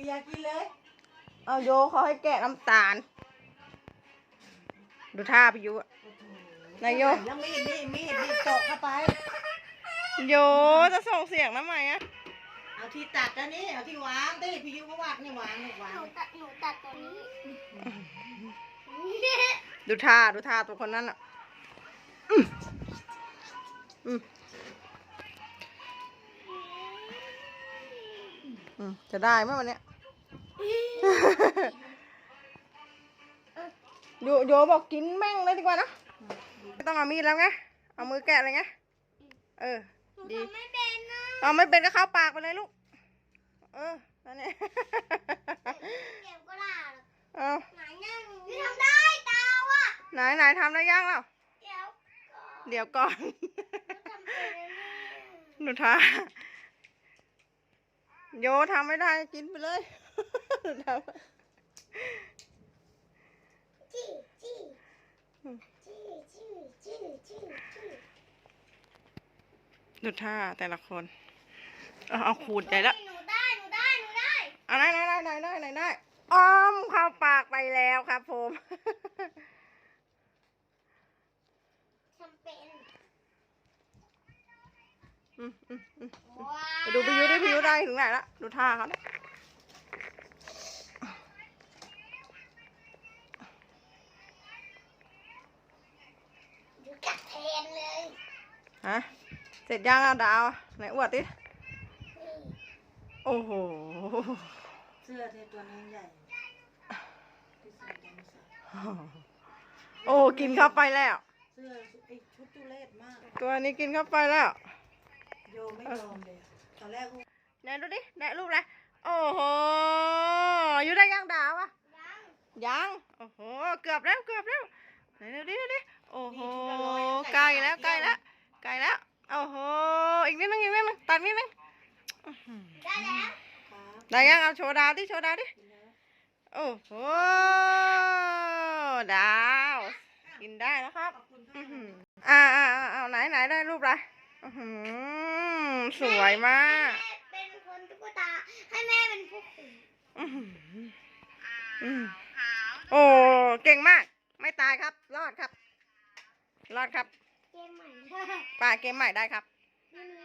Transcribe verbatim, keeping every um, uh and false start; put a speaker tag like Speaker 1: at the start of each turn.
Speaker 1: อยากกินเลย
Speaker 2: เอาโยเขาให้แกะน้ำตาลดูท่าพี่ยุนายโย
Speaker 1: แล้วมีดนี่มีดนี่ตกเข้าไป
Speaker 2: โยจะส่งเสียงทำไมอะ
Speaker 1: เอาที่ตัดแล้วนี่เอาที่วางดิพี่ยุก็วางนี่วางนี่วาง
Speaker 3: หนูตัดหนูตัดตัวนี้
Speaker 2: ดูท่าดูท่าตัวคนนั้นอ่ะอืมอืมอืมจะได้ไหมวันเนี้ยโยโยบอกกินแม่งเลยดีกว่านะไม่ต้องเอามีดแล้วไงเอามือแกะเลยไงเออดี
Speaker 3: ไม่เป็นนะ
Speaker 2: เอาไม่เป็นก็เข้าปากไปเลยลูกเออนั่นเนี่ย
Speaker 3: เดี๋ยวก็ล่า
Speaker 2: เอา
Speaker 3: ไหนเนี่ยหนูทำได้ตาว่ะ
Speaker 2: ไหนไหนทำได้ยังแล้ว
Speaker 3: เดี๋ยว
Speaker 2: เดี๋ยวก่อนหนูทาโยทำไม่ได้กินไปเลยทำ
Speaker 3: จี้จี้จี้จี้จี้จี้จี้
Speaker 2: ดูท่าแต่ละคนเอาเอาขูดใจแล้ว
Speaker 3: หนูได้หนูได้หนูได้
Speaker 2: เอาได้ได้ได้ได้ได้ได้อ้อมเข้าปากไปแล้วครับผม
Speaker 3: ทำเป็น
Speaker 2: อืมอืมอืมไปดูพี่ยุดิพี่ยุได้ถึงไหนละดูท่าเขาเนี่ย
Speaker 3: ดูกัดแทนเลย
Speaker 2: ฮะเสร็จยังอ่ะดาวไหนอวดดิโอ้โห
Speaker 1: เสื้อเทตัวนี้ใหญ่ที่ใส่ยังไม่ใส่
Speaker 2: โอ้กินเข้าไปแล้ว
Speaker 1: เสื้อไอ้ชุดตุเรศมาก
Speaker 2: ตัวนี้กินเข้าไปแล้ว
Speaker 1: โยไม่ยอมเลยตอนแรก
Speaker 2: ไหนดูดิไหนรูปอะไรโอ้โหอยู่ได้ยังดาวอะยังโอ้โหเกือบแล้วเกือบแล้วไหนดูดิดูดิโอ้โหใกล้แล้วใกล้แล้วใกล้แล้วโอ้โหอีกนิดนึงอีกนิดนึงตัดนิดนึง
Speaker 3: ได้แล้ว
Speaker 2: ได้ยังเอาโชว์ดาวดิโชว์ดาวดิโอ้โหดาวกินได้นะครับอ่าอ่าอ่าไหนไหนได้รูปอะไรสวยมาก
Speaker 3: เป็นคนตุ๊กตาให้แม่เป็นผู้คุม
Speaker 2: โอ้เก่งมากไม่ตายครับรอดครับรอดครับ
Speaker 3: เกมใหม่
Speaker 2: ป่าเกมใหม่ได้ครับ